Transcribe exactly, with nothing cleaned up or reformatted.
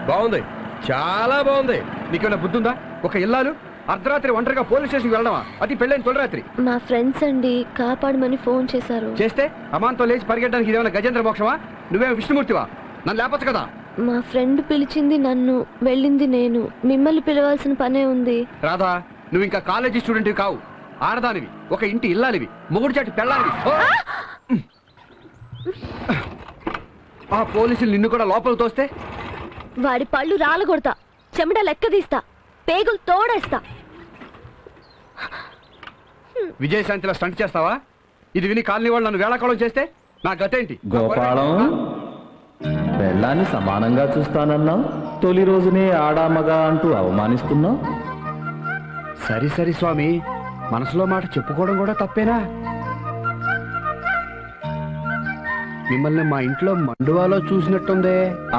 బాగుంది, చాలా బాగుంది. నీకేమైనా బుద్ధి ఉందా? ఒక ఇల్లాలు అర్ధరాత్రి ఒంటరిగా పోలీస్ స్టేషన్కి వెళ్ళడమా? అది పెళ్ళైన తొలిరాత్రి. మా ఫ్రెండ్స్ అండి కాపాడమని ఫోన్ చేశారు. చేస్తే అమాంతో లేచి పరిగెట్టడానికి ఇదేమైనా గజేంద్ర మోక్షమా? నువ్వేమో విష్ణుమూర్తివా? నన్ను లేపచ్చు కదా. మా ఫ్రెండ్ పిలిచింది నన్ను, వెళ్ళింది నేను. మిమ్మల్ని పిలవాల్సిన పనే ఉంది. రాధా, నువ్వు ఇంకా కాలేజీ స్టూడెంట్వి కావు, ఆడదానివి, ఒక ఇంటి ఇల్లాలివి, మొగుడు చాటి పెళ్ళాలివి. ఆ పోలీసులు నిన్ను కూడా లోపల తోస్తే వాడి పళ్ళు రాలగొడతా, చెమట లెక్క తీస్తా, పేగులు తోడేస్తా. విజయశాంతిలో స్టంట్ చేస్తావా? ఇది విని కాలనీ వాళ్ళు నన్ను వేళాకోళం చేస్తే నా గతేంటి? గోపాలం, పెళ్ళాన్ని సమానంగా చూస్తానన్నావు, తొలి రోజునే ఆడామగా అంటూ అవమానిస్తున్నావు. సరి సరి స్వామి, మనసులో మాట చెప్పుకోవడం కూడా తప్పేనా? మిమ్మల్ని మా ఇంట్లో మండువాలో చూసినట్టుందే.